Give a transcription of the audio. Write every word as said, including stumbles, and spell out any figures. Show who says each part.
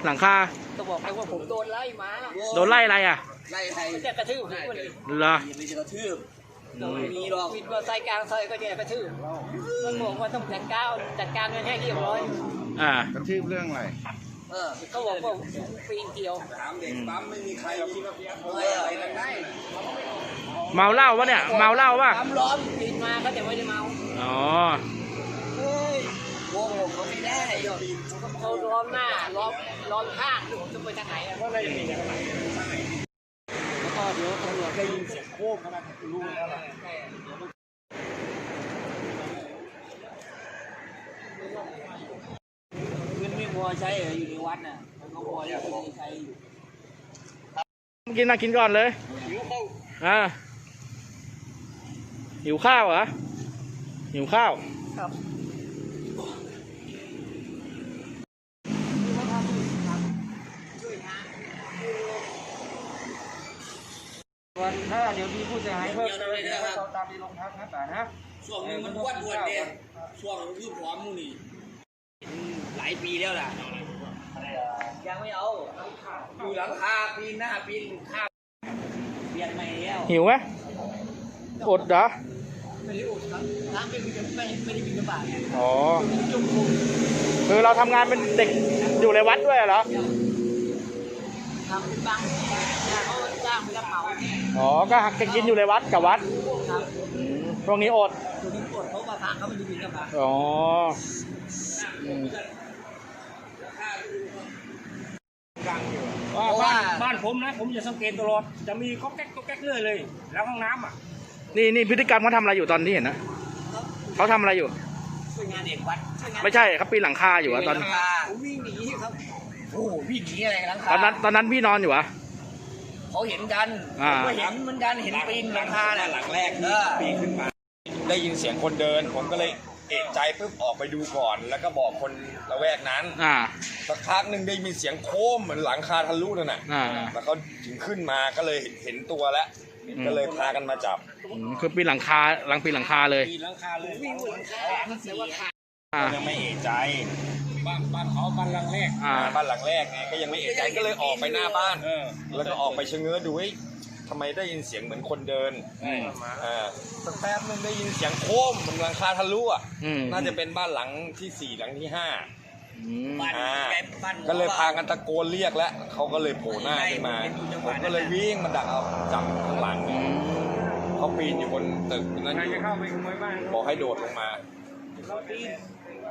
Speaker 1: หลังคา
Speaker 2: ก็บอกไปว่าผมโดนไล่มา
Speaker 1: โดนไล่อะไรอ่ะ
Speaker 3: ไล่ใคร
Speaker 2: จะกระทืบผมเลย
Speaker 1: เหรอ
Speaker 3: ไม่จะกระทืบ
Speaker 2: โดนมีหรอกวินมอเตอร์ไซค์กลางซอยก็จะกระทืบมันบอกว่าต้องจัดการจัดการกันให้เรียบร้อย
Speaker 1: อ่าก
Speaker 4: ระทืบเรื่องอะไร
Speaker 2: เออเขาบอกว่าปีนเกี่ยว
Speaker 3: ถามเด็กปั๊มไม่มีใครคิดว่าอะไรกันได้
Speaker 1: เมาเหล้าวะเนี่ยเมาเหล้าวะ
Speaker 2: ปั๊มล้อมปีนมาก็จะไม่ได้เมา
Speaker 1: อ๋อ
Speaker 2: เฮ้ยโว้โหเขาไม่ได้เขาล้อมหน้าล้อมล้อมข้างผมจะไปทางไหนอ่ะเพราะอะไรอย่างนี้ทางไหนแล้วก็เดี๋ยวตำรวจได้ยินเสียงโค้งขนาดรู้แล้วล่ะเงินไม่พอใช้อยู่ในวัดน่ะมันก็พอจะใช้อยู่
Speaker 1: กินนะกินก่อนเลยหิวข้าวอ่าหิวข้าวเหรอหิวข้าว
Speaker 2: ครับวันถ้าเดี๋ยวมีผู้เสียหายเพิ่มเติมเราตามที่โรงพักนะป่านะ
Speaker 3: ช่วงนึงมันอ้วนอ้วนเนี่ยช่วงคือพร้อมมูนี่หลายปีแล้วล่ะ
Speaker 2: ยังไม่เอา
Speaker 3: อยู่หลังคาปีนหน้าปีนข้าว
Speaker 2: เปลี่ยนใหม่แล้ว
Speaker 1: หิวไหมอดเหรอ
Speaker 2: ไม่ได้อดครับน้ำไม่ไม่ไม่ได้บินกระบาด
Speaker 1: อ๋อคือเราทำงานเป็นเด็กอยู่ในวัดด้วยเหรอ
Speaker 2: ทำเป็นบางเขาจ้างไปรับเหมา
Speaker 1: อ๋อก็หักกินอยู่ในวัดกับวัด
Speaker 2: ครับ
Speaker 1: ช่วงนี้อด
Speaker 2: ช่วงนี้อดเพราะว่าพระเขาไม่ได้บินกระบาด
Speaker 1: อ๋อ
Speaker 5: บ้านบ้านผมนะผมจะสังเกตตลอดจะมีก๊อกแก๊กก๊อกแก๊กเรื่อยเลยแล้วห้องน้ำอ่ะ
Speaker 1: นี่นี่พฤติกรรมเขาทำอะไรอยู่ตอนที่เห็นนะเขาทำอะไรอยู่
Speaker 2: ช่วยงานเด็กวัด
Speaker 1: ไม่ใช่เขาปีนหลังคาอยู่อะตอน
Speaker 2: วิ่งหนีครับ
Speaker 3: โอ้วิ่งหนีอะไรหลังคา
Speaker 1: ตอนนั้นตอนนั้นพี่นอนอยู่อะ
Speaker 3: เขาเห็นกันก็เห็นเหมือนกันเห็นปีนหลังคาน่ะหลังแรกที่ปีนขึ้นมาได้ยินเสียงคนเดินผมก็เลยเอะใจปุ๊บออกไปดูก่อนแล้วก็บอกคนละแวกนั้นสักพักหนึ่งได้มีเสียงโค้มเหมือนหลังคาทะลุนั่นน่ะแล้วเขาถึงขึ้นมาก็เลยเห็นตัวแล้วก็เลยพากันมาจับ
Speaker 1: คือปีนหลังคาหลังปีนหลังคาเลย
Speaker 3: ปีนหลังคาเลยวิ่งหลังคาแต่ว่าขายังไม่เอะใจบ้านบ้านเขาบ้านหลังแรกบ้านหลังแรกไงก็ยังไม่เอะใจก็เลยออกไปหน้าบ้านแล้วก็ออกไปชะเง้อดูทำไมได้ยินเสียงเหมือนคนเดินอ่าสักแป๊บนึงได้ยินเสียงโค้มเหมือนหลังคาทะลุอ่ะน่าจะเป็นบ้านหลังที่สี่หลังที่ห้าก็เลยพากันตะโกนเรียกแล้วเขาก็เลยโผล่หน้าขึ้นมาผมก็เลยวิ่งมาดักเอาจับข้างหลังเขาปีนอยู่บนตึกนั้นบอกให้โดดลงมา